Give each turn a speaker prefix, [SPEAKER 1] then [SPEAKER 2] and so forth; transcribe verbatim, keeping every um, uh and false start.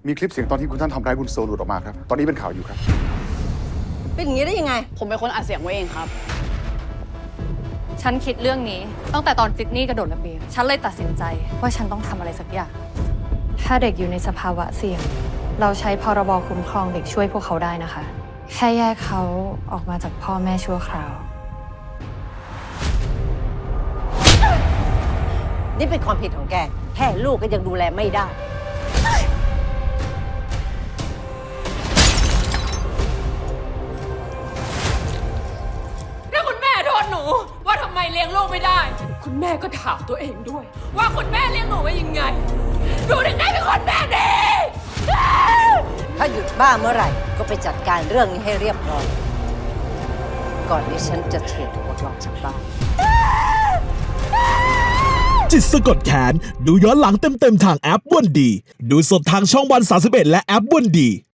[SPEAKER 1] มีคลิปเสียงตอนที่คุณท่านทำร้ายคุณโซหลุดออกมาครับตอนนี้เป็นข่าวอยู่ครับ
[SPEAKER 2] เป็นอย่างนี้ได้ยังไง
[SPEAKER 3] ผมเป็นคนอัดเสียงไว้เองครับ
[SPEAKER 4] ฉันคิดเรื่องนี้ตั้งแต่ตอนซิดนีย์กระโดดระเบียงฉันเลยตัดสินใจว่าฉันต้องทำอะไรสักอย่างถ้าเด็กอยู่ในสภาวะเสี่ยงเราใช้พรบคุ้มครองเด็กช่วยพวกเขาได้นะคะแค่แยกเขาออกมาจากพ่อแม่ชั่วคราว
[SPEAKER 2] นี่เป็นความผิดของแกแค่ลูกก็ยังดูแลไม่ได้
[SPEAKER 5] ถ้าคุณแม่โทษหนูว่าทำไมเลี้ยงลูกไม่ได้คุณแม่ก็ถามตัวเองด้วยว่าคุณแม่เลี้ยงหนูไว้ยังไงหนูถึงได้เป็นคนแบบนี้
[SPEAKER 2] ถ้าหยุดบ้าเมื่อไหร่ก็ไปจัดการเรื่องนี้ให้เรียบร้อยก่อนที่ฉันจะเททุกคนออกจากบ้าน
[SPEAKER 6] จิตสะกดแขนดูย้อนหลังเต็มๆทางแอปวันดีดูสดทางช่องวันสามสิบเอ็ดและแอปวันดี